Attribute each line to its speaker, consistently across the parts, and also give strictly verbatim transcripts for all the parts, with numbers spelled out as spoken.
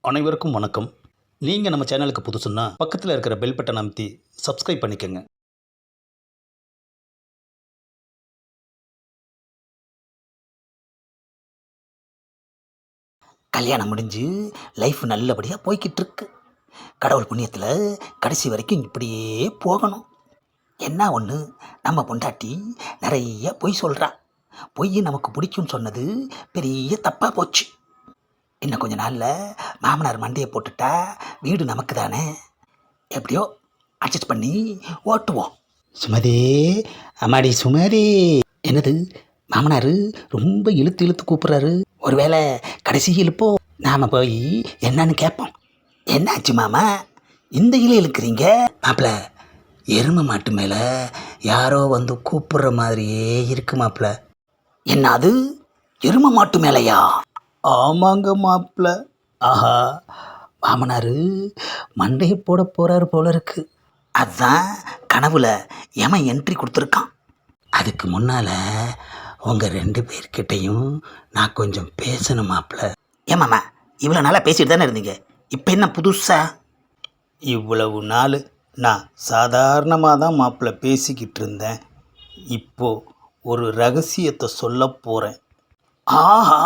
Speaker 1: அனைவருக்கும் வணக்கம். நீங்கள் நம்ம சேனலுக்கு புதுசுன்னா பக்கத்தில் இருக்கிற பெல் பட்டன் அமைத்தி சப்ஸ்கிரைப் பண்ணிக்கோங்க.
Speaker 2: கல்யாணம் முடிஞ்சு லைஃப் நல்லபடியாக போய்கிட்டு இருக்கு. கடவுள் புண்ணியத்தில் கடைசி வரைக்கும் இப்படியே போகணும். என்ன ஒன்று, நம்ம பொண்டாட்டி நிறைய பொய் சொல்கிறா. பொய் நமக்கு பிடிக்கும்னு சொன்னது பெரிய தப்பாக போச்சு. இன்னும் கொஞ்ச நாளில் மாமனார் மண்டையை போட்டுட்டா வீடு நமக்கு தானே. எப்படியோ அட்ஜஸ்ட் பண்ணி ஓட்டுவோம். சுமதி, அம்மாடி சுமதி. என்னது, மாமனார் ரொம்ப இழுத்து இழுத்து கூப்பிட்றாரு. ஒருவேளை கடைசி இழுப்போ நாம் போய் என்னன்னு கேட்போம். என்னாச்சு மாமா, இந்த இலை இழுக்கிறீங்க? மாப்பிள்ள, எருமை மாட்டு மேலே யாரோ வந்து கூப்பிட்ற மாதிரியே இருக்கு மாப்பிள்ள. என்ன அது, எருமை மாட்டு மேலையா?
Speaker 1: ஆமாங்க மாப்பிள்ள.
Speaker 2: ஆஹா, மாமனார் மண்டையை போட போகிறாரு போல இருக்கு. அதுதான் கனவுல எமன் என்ட்ரி கொடுத்துருக்கான். அதுக்கு முன்னால் உங்கள் ரெண்டு பேர்கிட்டையும் நான் கொஞ்சம் பேசணும் மாப்பிள்ள. ஏமாம்மா, இவ்வளோ நாளாக பேசிட்டு தானே இருந்தீங்க, இப்போ என்ன புதுசா?
Speaker 1: இவ்வளவு நாள் நான் சாதாரணமாக தான் மாப்பிள்ள பேசிக்கிட்டு இருந்தேன். இப்போது ஒரு ரகசியத்தை சொல்ல போகிறேன்.
Speaker 2: ஆஹா,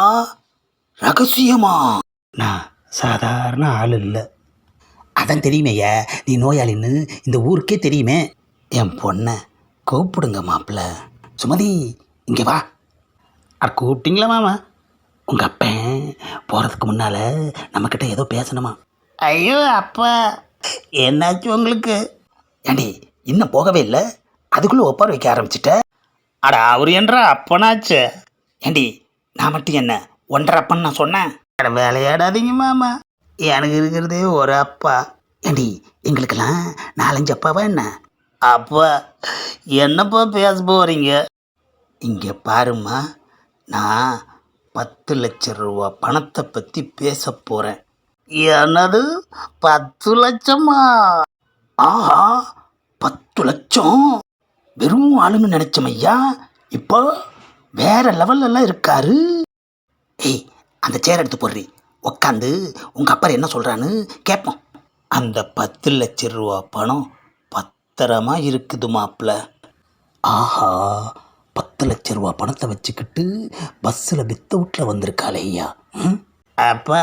Speaker 2: ரகசியமா?
Speaker 1: நான் சாதாரண ஆள் இல்லை.
Speaker 2: அதான் தெரியுமேயா, நீ நோயாளின்னு இந்த ஊருக்கே தெரியுமே. என் பொண்ணை கூப்பிடுங்க மாப்பிள்ள. சுமதி, இங்கே வா.
Speaker 1: அட கூப்பிட்டீங்களா மாமா?
Speaker 2: உங்கள் அப்பன் போகிறதுக்கு முன்னால் நம்மக்கிட்ட ஏதோ பேசணுமா?
Speaker 1: ஐயோ அப்பா, என்னாச்சு உங்களுக்கு?
Speaker 2: ஏண்டி, இன்னும் போகவே இல்லை, அதுக்குள்ளே ஒப்பார வைக்க ஆரம்பிச்சிட்ட.
Speaker 1: அட அவர் என்ற அப்பனாச்சு.
Speaker 2: ஏண்டி, நான் மட்டும் என்ன ஒன்றரை அப்பன்னு நான் சொன்னேன்?
Speaker 1: அட விளையாடாதீங்க மாமா, எனக்கு இருக்கிறதே ஒரு அப்பா.
Speaker 2: ஏண்டி, எங்களுக்கெல்லாம் நாலஞ்சு அப்பாவா என்ன?
Speaker 1: அப்பா, என்னப்பா பேச போகிறீங்க?
Speaker 2: இங்கே பாருமா, நான் பத்து லட்சம் ரூபா பணத்தை பற்றி பேச போகிறேன்.
Speaker 1: என்னது, பத்து லட்சமா?
Speaker 2: ஆஹா, பத்து லட்சம்! வெறும் ஆளுன்னு நினச்சோம் ஐயா, இப்போ வேற லெவல்லலாம் இருக்காரு. ஏய், அந்த சேர் எடுத்து போடுறி, உக்காந்து உங்கள் அப்பா என்ன சொல்கிறான்னு கேட்போம்.
Speaker 1: அந்த பத்து லட்ச ரூபா பணம் பத்திரமா இருக்குது மாப்பிள்ள.
Speaker 2: ஆஹா, பத்து லட்ச ரூபா பணத்தை வச்சுக்கிட்டு பஸ்ஸில் வித்த வீட்டில் வந்திருக்காளே ஐயா. ம்,
Speaker 1: அப்பா,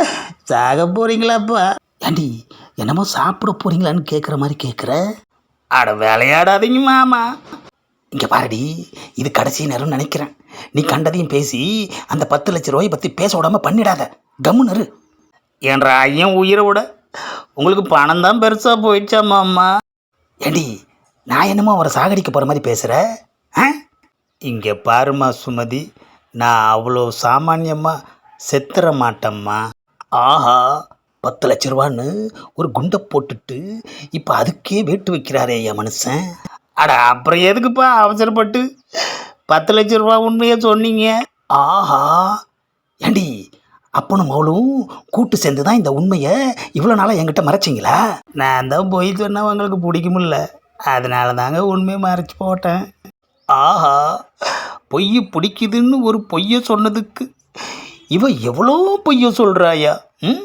Speaker 1: சாக போகிறீங்களாப்பா?
Speaker 2: ஏண்டி, என்னமோ சாப்பிட போகிறீங்களான்னு கேட்குற மாதிரி கேட்குற.
Speaker 1: அட விளையாடாதீங்க மாமா.
Speaker 2: இங்கே பாருடி, இது கடைசி நேரம்னு நினைக்கிறேன். நீ கண்டதையும் பேசி அந்த பத்து லட்ச ரூபாயை பற்றி பேச விடாமல் பண்ணிடாத, கம்முனரு.
Speaker 1: என்ற ஐயன் உயிரை விட உங்களுக்கு பணம் தான் பெருசாக போயிடுச்சா மாமா?
Speaker 2: ஏண்டி, நான் என்னமோ அவரை சாகடிக்க போகிற மாதிரி பேசுகிற? ஆ,
Speaker 1: இங்கே பாருமா சுமதி, நான் அவ்வளோ சாமானியமாக செத்துற மாட்டேம்மா.
Speaker 2: ஆஹா, பத்து லட்ச ரூபான்னு ஒரு குண்டை போட்டுட்டு இப்போ அதுக்கே வேட்டு வைக்கிறாரே என் மனுஷன்.
Speaker 1: அட அப்புறம் எதுக்குப்பா அவசரப்பட்டு பத்து லட்ச ரூபா உண்மையை சொன்னீங்க?
Speaker 2: ஆஹா, ஏண்டி, அப்பனும் அவளும் கூட்டு சேர்ந்து தான் இந்த உண்மையை இவ்வளோ நாளாக என்கிட்ட மறைச்சிங்களா?
Speaker 1: நான் தான் போய் சொன்னால் உங்களுக்கு பிடிக்குமில்ல, அதனால தாங்க உண்மையை மறைச்சி போட்டேன்.
Speaker 2: ஆஹா, பொய் பிடிக்குதுன்னு ஒரு பொய்யை சொன்னதுக்கு இவ எவ்வளோ பொய்யை சொல்கிறாயா? ம்,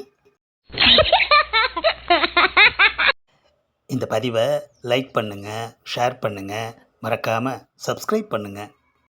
Speaker 2: இந்த பதிவை லைக் பண்ணுங்கள், ஷேர் பண்ணுங்கள், மறக்காமல் சப்ஸ்கிரைப் பண்ணுங்கள்.